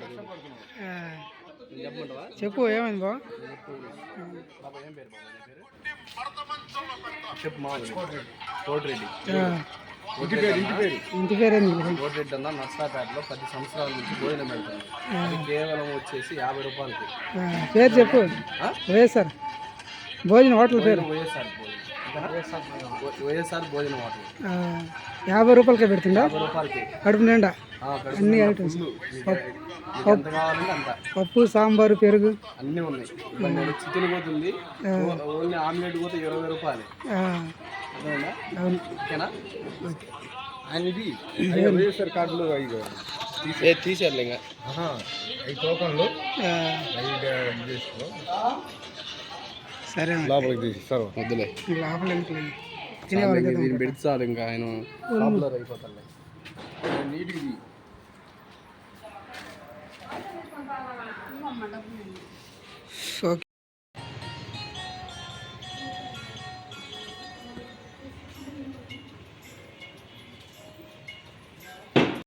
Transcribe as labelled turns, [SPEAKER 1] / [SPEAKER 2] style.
[SPEAKER 1] చెప్పు ఏమైంది బా?
[SPEAKER 2] చెప్పు మా కోటిరెడ్డి.
[SPEAKER 1] ఇంటి పేరు ఏంది?
[SPEAKER 2] కోటిరెడ్డి అన్న నర్సాపేటలో 10 సంవత్సరాల నుంచి భోజనం పెడుతుంది. అది కేవలం వచ్చేసి 50 రూపాయలకి.
[SPEAKER 1] పేరు చెప్పు. వైఎస్ఆర్ భోజనం హోటల్ పేరు.
[SPEAKER 2] వైఎస్ఆర్ భోజనం హోటల్.
[SPEAKER 1] 50 రూపాయలకే పెడుతుందా?
[SPEAKER 2] 50 రూపాయలకి
[SPEAKER 1] కడుపు నిండా అన్ని ఐటమ్స్.
[SPEAKER 2] ఎంత కావాలంటే అంత.
[SPEAKER 1] పప్పు, సాంబారు, పెరుగు
[SPEAKER 2] అన్నీ ఉన్నాయి. చికెన్ పోతుంది, ఓన్లీ ఆమ్లెట్ పోతే 20 రూపాయలు.
[SPEAKER 1] అవును.
[SPEAKER 2] ఓకేనా? ఆయనది వైఎస్ఆర్ కార్డులు తీసేయాలి ఇంకా ఈ టోకన్లు
[SPEAKER 1] సరే
[SPEAKER 2] లోపలికి తీసిస్తారు. వద్దులే, దీన్ని పెడితే చాలు ఇంకా ఆయన పాపులర్ అయిపోతారు. నీటికి
[SPEAKER 1] ఓకే.